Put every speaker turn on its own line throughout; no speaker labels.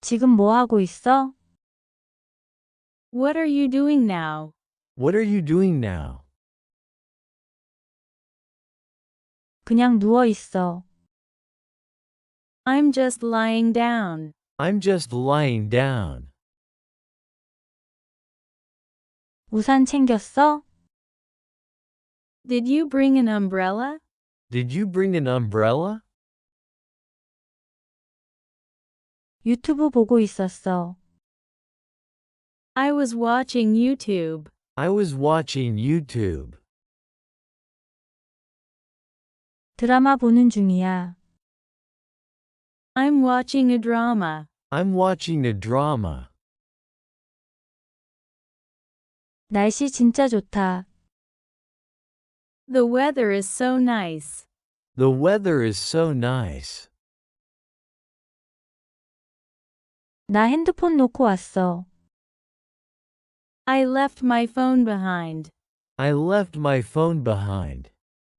지금 뭐 하고 있어?
What are you doing now?
What are you doing now?
그냥 누워 있어.
I'm just lying down.
I'm just lying down.
우산 챙겼어?
Did you bring an umbrella?
Did you bring an umbrella?
유튜브 보고 있었어.
I was watching YouTube.
I was watching YouTube.
드라마 보는 중이야.
I'm watching a drama.
I'm watching a drama.
날씨 진짜 좋다.
The weather is so nice.
The weather is so nice.
나 핸드폰 놓고 왔어.
I left my phone behind.
I left my phone behind.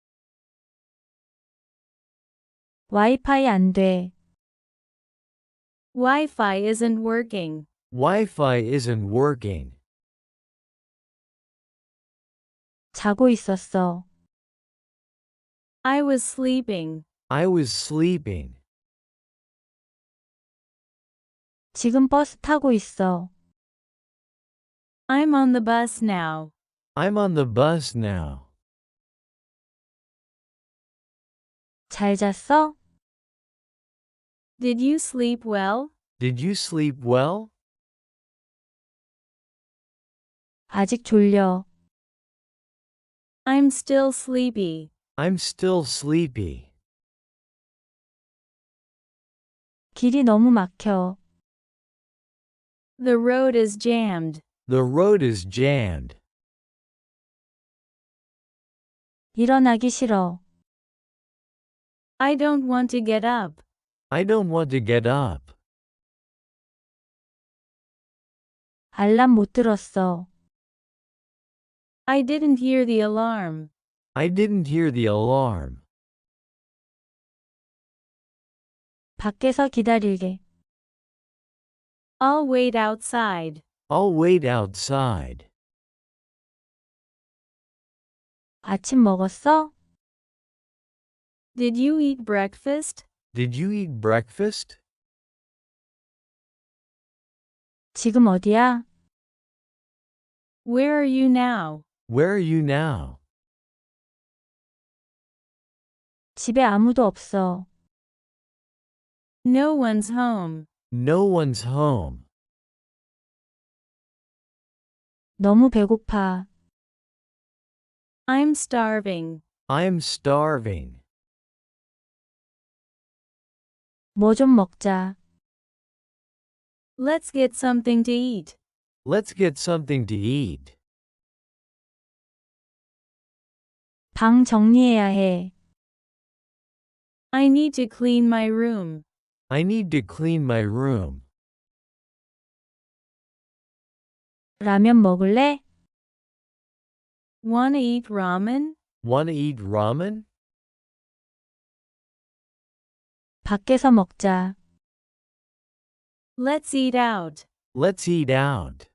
와이파이 안 돼.
Wi-Fi isn't working.
Wi-Fi isn't working.
자고 있었어.
I was sleeping.
I was sleeping.
지금 버스 타고 있어.
I'm on the bus now.
I'm on the bus now.
잘 잤어?
Did you sleep well?
Did you sleep well?
아직 졸려.
I'm still sleepy.
I'm still sleepy.
길이 너무 막혀.
The road is jammed.
The road is jammed.
일어나기 싫어.
I don't want to get up.
I don't want to get up.
알람 못 들었어.
I didn't hear the alarm.
I didn't hear the alarm.
밖에서 기다릴게.
I'll wait outside.
I'll wait outside.
아침 먹었어?
Did you eat breakfast?
Did you eat breakfast?
지금 어디야?
Where are you now?
Where are you now?
집에 아무도 없어.
No one's home.
No one's home.
너무 배고파.
I'm starving.
I'm starving.
뭐 좀 먹자.
Let's get something to eat.
Let's get something to eat.
방 정리해야 해.
I need to clean my room.
I need to clean my room.
라면 먹을래?
Wanna eat ramen?
Wanna eat ramen?
밖에서 먹자.
Let's eat out.
Let's eat out.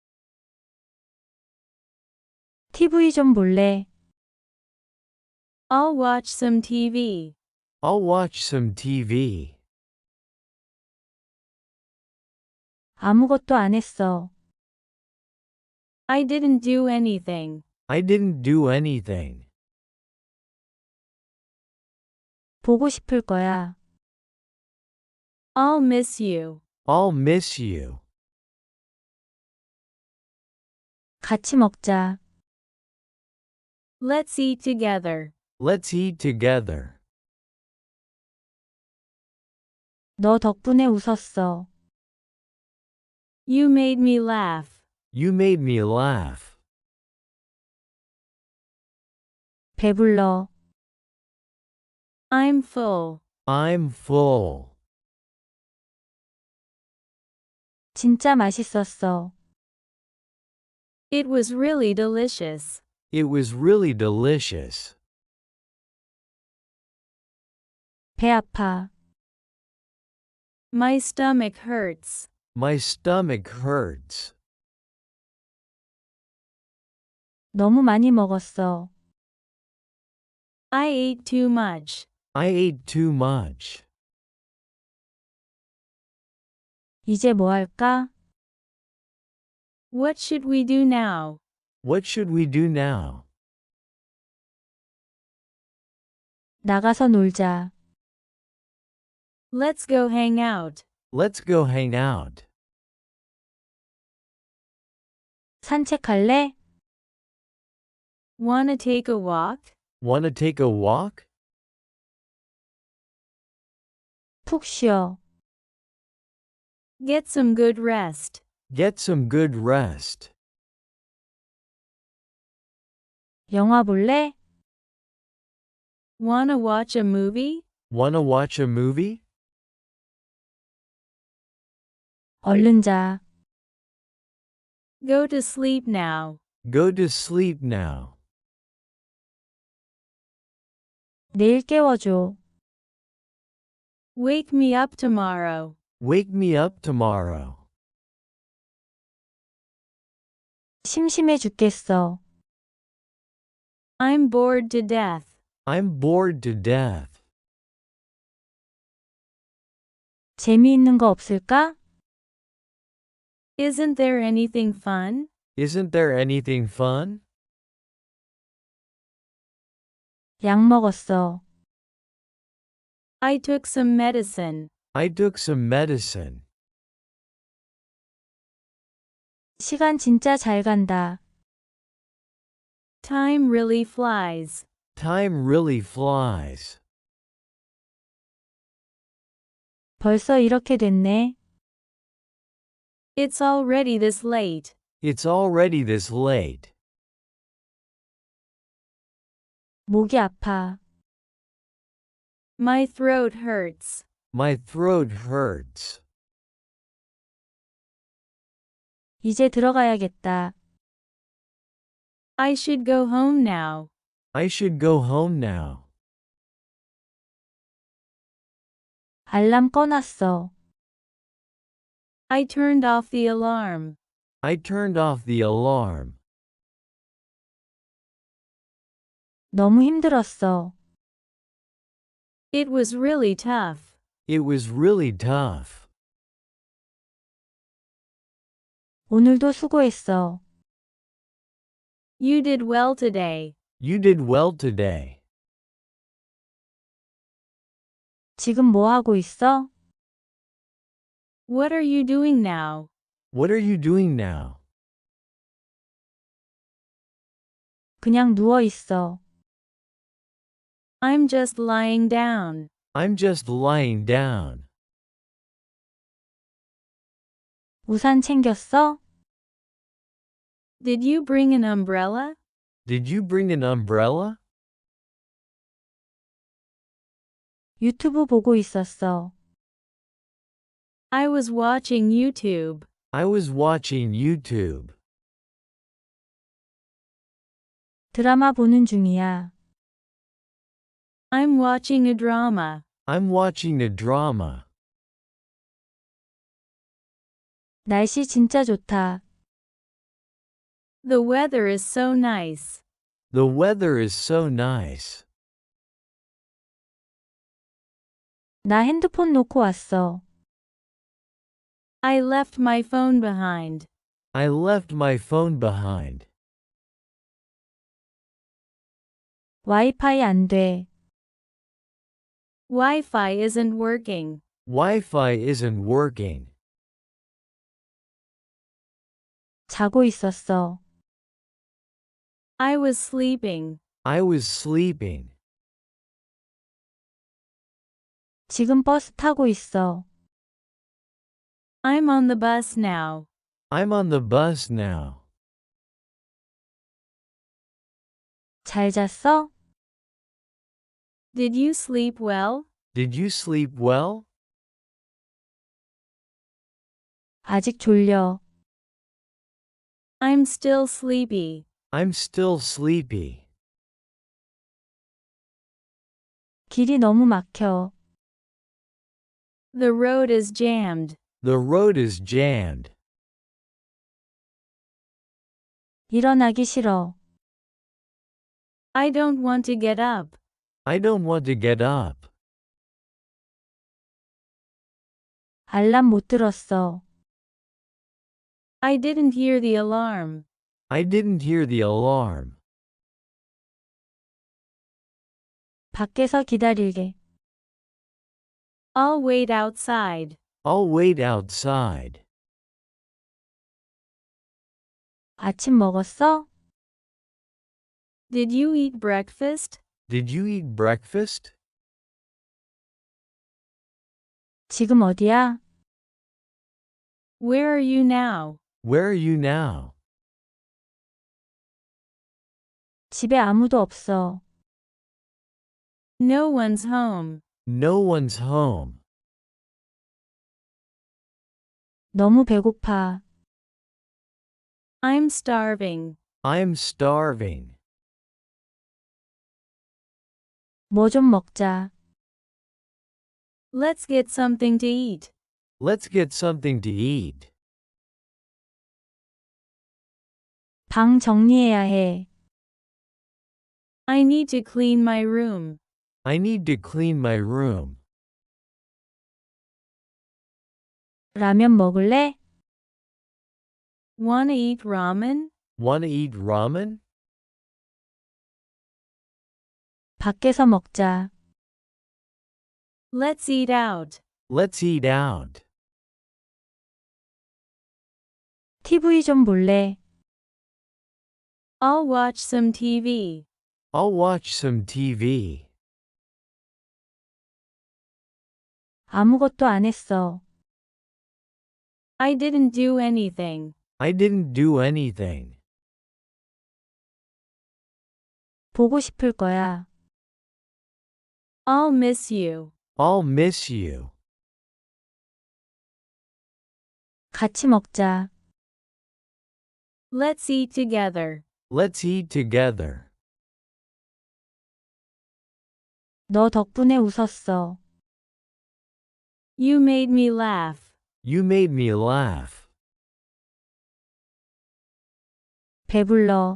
TV 좀 볼래?
I'll watch some TV.
I'll watch some TV.
아무것도 안 했어.
I didn't do anything.
I didn't do anything.
보고 싶을 거야.
I'll miss you.
I'll miss you.
같이 먹자.
Let's eat together.
Let's eat together.
너 덕분에 웃었어.
You made me laugh.
You made me laugh.
배불러.
I'm full.
I'm full.
진짜 맛있었어.
It was really delicious.
It was really delicious.
배 아파.
My stomach hurts.
My stomach hurts.
너무 많이 먹었어.
I ate too much.
I ate too much.
이제 뭐 할까?
What should we do now?
What should we do now?
나가서 놀자.
Let's go hang out.
Let's go hang out.
산책할래?
Wanna take a walk?
Wanna take a walk?
푹 쉬어.
Get some good rest.
Get some good rest.
영화 볼래?
Wanna watch a movie?
Wanna watch a movie?
얼른 자.
Go to sleep now.
Go to sleep now.
내일 깨워줘.
Wake me up tomorrow.
Wake me up tomorrow.
심심해 죽겠어.
I'm bored to death.
I'm bored to death.
재미있는 거 없을까?
Isn't there anything fun?
Isn't there anything fun?
약 먹었어.
I took some medicine.
I took some medicine.
시간 진짜 잘 간다.
Time really flies.
Time really flies.
벌써 이렇게 됐네.
It's already this late.
It's already this late.
목이 아파.
My throat hurts.
My throat hurts.
이제 들어가야겠다.
I should go home now.
I should go home now.
알람 꺼놨어.
I turned off the alarm.
I turned off the alarm.
너무 힘들었어.
It was really tough.
It was really tough.
오늘도 수고했어.
You did well today.
You did well today.
지금 뭐 하고 있어?
What are you doing now?
What are you doing now?
그냥 누워 있어.
I'm just lying down.
I'm just lying down.
우산 챙겼어?
Did you bring an umbrella?
Did you bring an umbrella?
유튜브 보고 있었어.
I was watching YouTube.
I was watching YouTube.
드라마 보는 중이야.
I'm watching a drama.
I'm watching a drama.
날씨 진짜 좋다.
The weather is so nice.
The weather is so nice.
나 핸드폰 놓고 왔어.
I left my phone behind.
I left my phone behind.
와이파이 안 돼.
Wi-Fi isn't working.
Wi-Fi isn't working.
자고 있었어.
I was sleeping.
I was sleeping.
지금 버스 타고 있어.
I'm on the bus now.
I'm on the bus now.
잘 잤어?
Did you sleep well?
Did you sleep well?
아직 졸려.
I'm still sleepy.
I'm still sleepy.
길이 너무 막혀.
The road is jammed.
The road is jammed.
일어나기 싫어.
I don't want to get up.
I don't want to get up.
알람 못 들었어.
I didn't hear the alarm.
I didn't hear the alarm.
밖에서 기다릴게.
I'll wait outside.
I'll wait outside.
아침 먹었어?
Did you eat breakfast?
Did you eat breakfast?
지금 어디야?
Where are you now?
Where are you now?
집에 아무도 없어.
No one's home.
No one's home.
너무 배고파.
I'm starving.
I'm starving.
뭐 좀 먹자.
Let's get something to eat.
Let's get something to eat.
방 정리해야 해.
I need to clean my room.
I need to clean my room.
라면 먹을래?
Wanna eat ramen?
Wanna eat ramen?
밖에서 먹자.
Let's eat out.
Let's eat out.
TV 좀 볼래?
I'll watch some TV.
I'll watch some TV.
아무것도 안 했어.
I didn't do anything.
I didn't do anything.
보고 싶을 거야.
I'll miss you.
I'll miss you.
같이 먹자.
Let's eat together.
Let's eat together.
너 덕분에 웃었어.
You made me laugh.
You made me laugh.
배불러.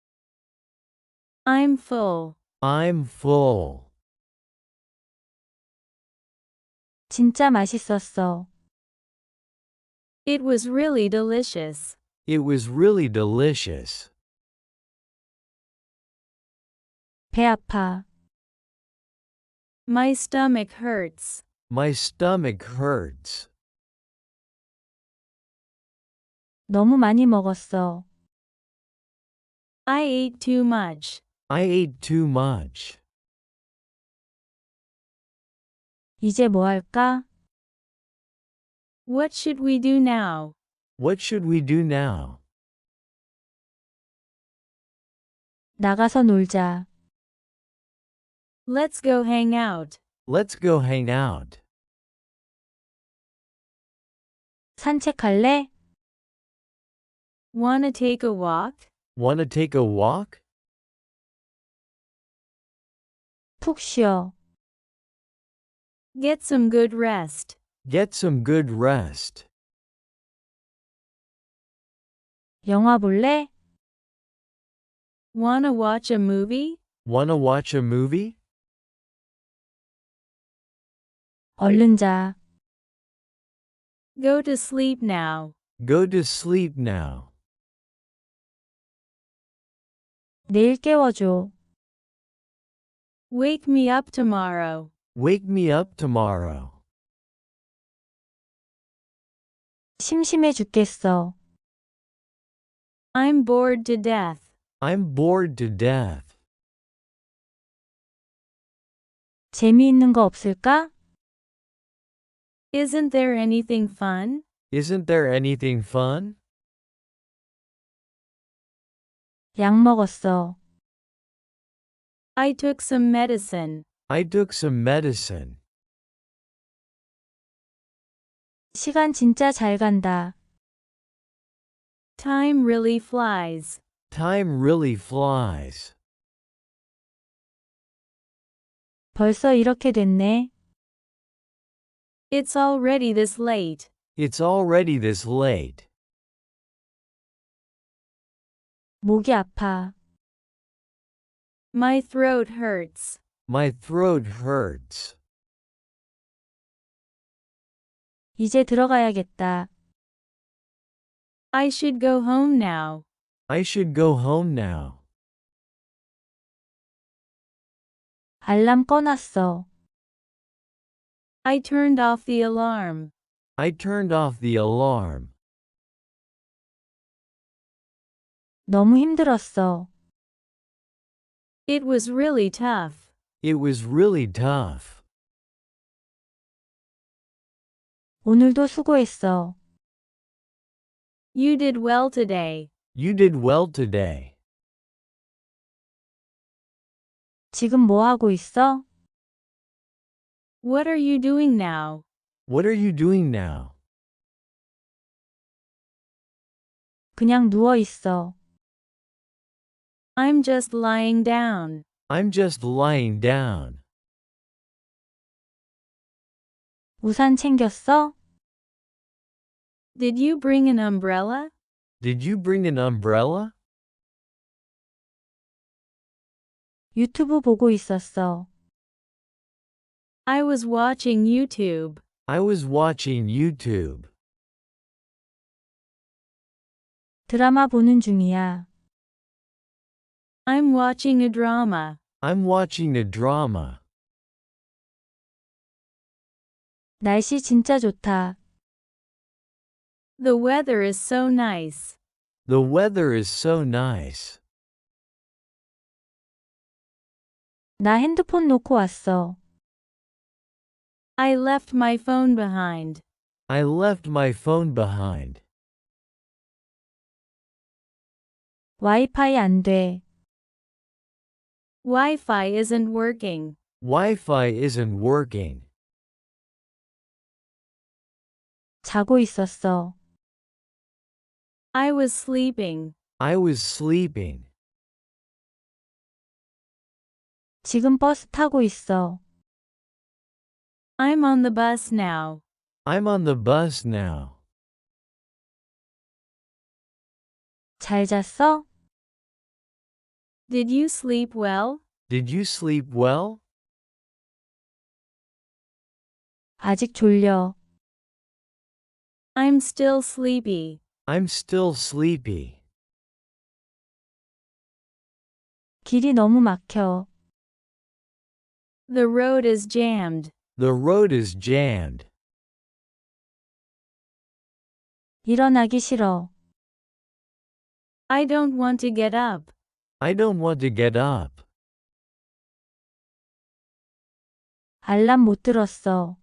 I'm full.
I'm full.
진짜 맛있었어.
It was really delicious.
It was really delicious.
배 아파.
My stomach hurts.
My stomach hurts.
너무 많이 먹었어.
I ate too much.
I ate too much.
이제 뭐 할까?
What should we do now?
What should we do now?
나가서 놀자.
Let's go hang out.
Let's go hang out.
산책할래?
Wanna take a walk?
Wanna take a walk?
푹 쉬어.
Get some good rest.
Get some good rest.
영화 볼래?
Wanna watch a movie?
Wanna watch a movie?
얼른 자.
Go to sleep now.
Go to sleep now.
내일 깨워줘.
Wake me up tomorrow.
Wake me up tomorrow.
심심해 죽겠어.
I'm bored to death.
I'm bored to death.
재미있는 거 없을까?
Isn't there anything fun?
Isn't there anything fun?
약 먹었어.
I took some medicine.
I took some medicine.
시간 진짜 잘 간다.
Time really flies.
Time really flies.
벌써 이렇게 됐네.
It's already this late.
It's already this late.
목이 아파.
My throat hurts.
My throat hurts.
이제 들어가야겠다.
I should go home now.
I should go home now.
알람 꺼놨어.
I turned off the alarm.
I turned off the alarm.
너무 힘들었어.
It was really tough.
It was really tough.
오늘도 수고했어.
You did well today.
You did well today.
지금 뭐 하고 있어?
What are you doing now?
What are you doing now?
그냥 누워 있어.
I'm just lying down.
I'm just lying down.
우산 챙겼어?
Did you bring an umbrella?
Did you bring an umbrella?
유튜브 보고 있었어.
I was watching YouTube.
I was watching YouTube.
드라마 보는 중이야.
I'm watching a drama.
I'm watching a drama.
날씨 진짜 좋다.
The weather is so nice.
The weather is so nice.
나 핸드폰 놓고 왔어.
I left my phone behind.
I left my phone behind.
와이파이 안 돼.
Wi-Fi isn't working.
Wi-Fi isn't working.
자고 있었어.
I was sleeping.
I was sleeping.
지금 버스 타고 있어.
I'm on the bus now.
I'm on the bus now.
잘 잤어?
Did you sleep well?
Did you sleep well?
아직 졸려.
I'm still sleepy.
I'm still sleepy.
길이 너무 막혀.
The road is jammed.
The road is jammed.
일어나기 싫어.
I don't want to get up.
I don't want to get up.
알람 못 들었어.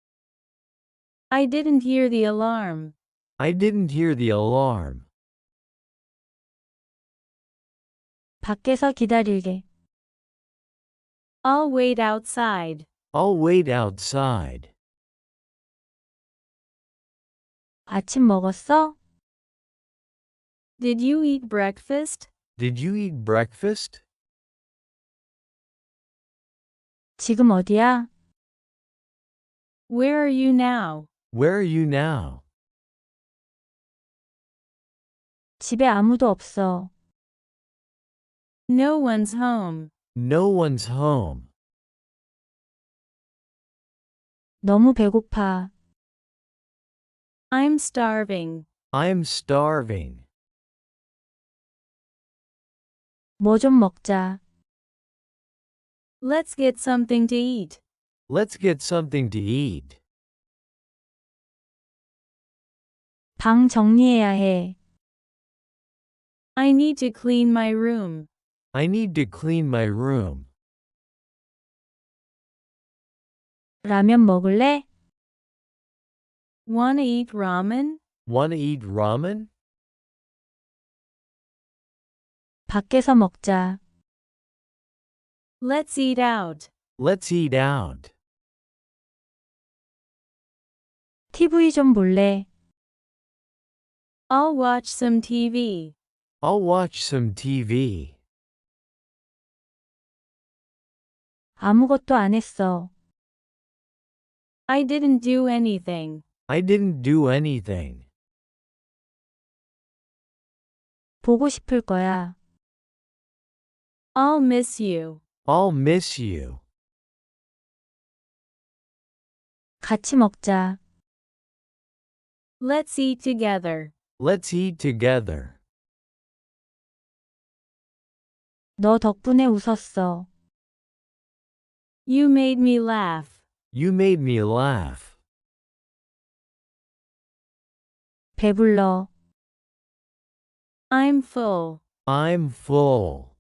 I didn't hear the alarm.
I didn't hear the alarm.
밖에서 기다릴게.
I'll wait outside.
I'll wait outside.
아침 먹었어?
Did you eat breakfast?
Did you eat breakfast?
지금 어디야?
Where are you now?
Where are you now?
집에 아무도 없어.
No one's home.
No one's home.
너무 배고파.
I'm starving.
I'm starving.
뭐 좀 먹자.
Let's get something to eat.
Let's get something to eat.
방 정리해야 해.
I need to clean my room.
I need to clean my room.
라면 먹을래?
Wanna eat ramen?
Wanna eat ramen?
밖에서 먹자.
Let's eat out.
Let's eat out.
TV 좀 볼래?
I'll watch some TV.
I'll watch some TV.
아무것도 안 했어.
I didn't do anything.
I didn't do anything.
보고 싶을 거야.
I'll miss you.
I'll miss you.
같이 먹자.
Let's eat together.
Let's eat together.
너 덕분에 웃었어.
You made me laugh.
You made me laugh.
배불러.
I'm full.
I'm full.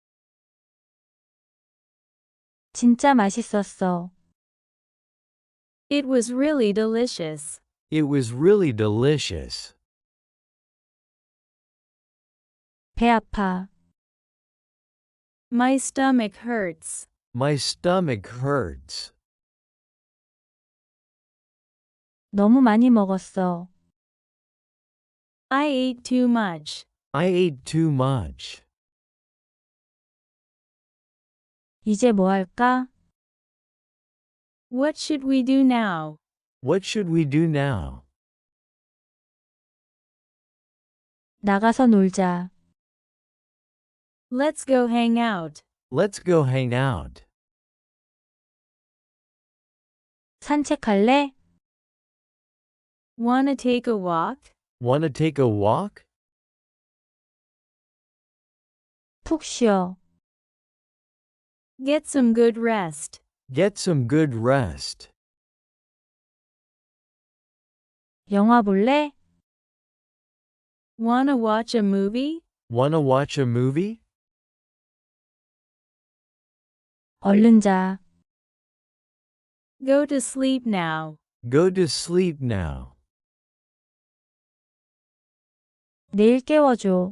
진짜 맛있었어.
It was really delicious.
It was really delicious.
배 아파.
My stomach hurts.
My stomach hurts.
너무 많이 먹었어.
I ate too much.
I ate too much.
이제 뭐 할까?
What should we do now?
What should we do now?
나가서 놀자.
Let's go hang out.
Let's go hang out.
산책할래?
Wanna take a walk?
Wanna take a walk?
푹 쉬어.
Get some good rest.
Get some good rest.
영화 볼래?
Wanna watch a movie?
Wanna watch a movie?
얼른 자.
Go to sleep now.
Go to sleep now.
내일 깨워줘.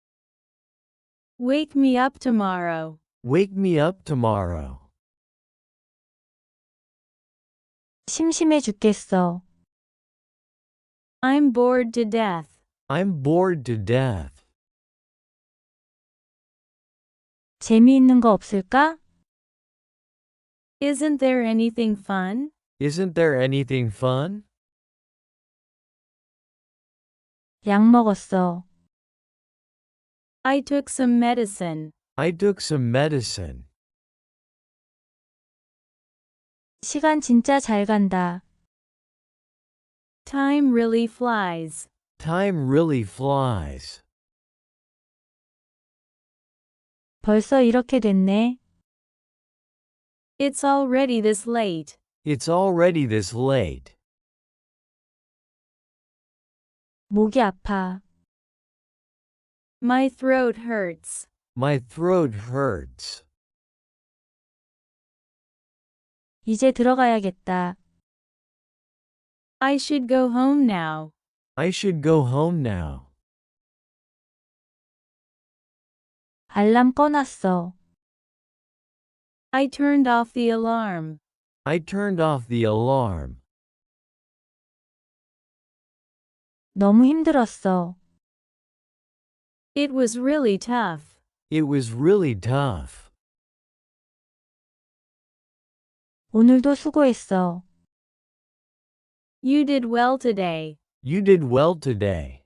Wake me up tomorrow.
Wake me up tomorrow.
심심해 죽겠어.
I'm bored to death.
I'm bored to death.
재미있는 거 없을까?
Isn't there anything fun?
Isn't there anything fun?
약 먹었어.
I took some medicine.
I took some medicine.
시간 진짜 잘 간다.
Time really flies.
Time really flies.
벌써 이렇게 됐네.
It's already this late.
It's already this late.
목이 아파.
My throat hurts.
My throat hurts.
이제 들어가야겠다.
I should go home now.
I should go home now.
알람 꺼놨어.
I turned off the alarm.
I turned off the alarm.
너무 힘들었어.
It was really tough.
It was really tough.
오늘도 수고했어.
You did well today.
You did well today.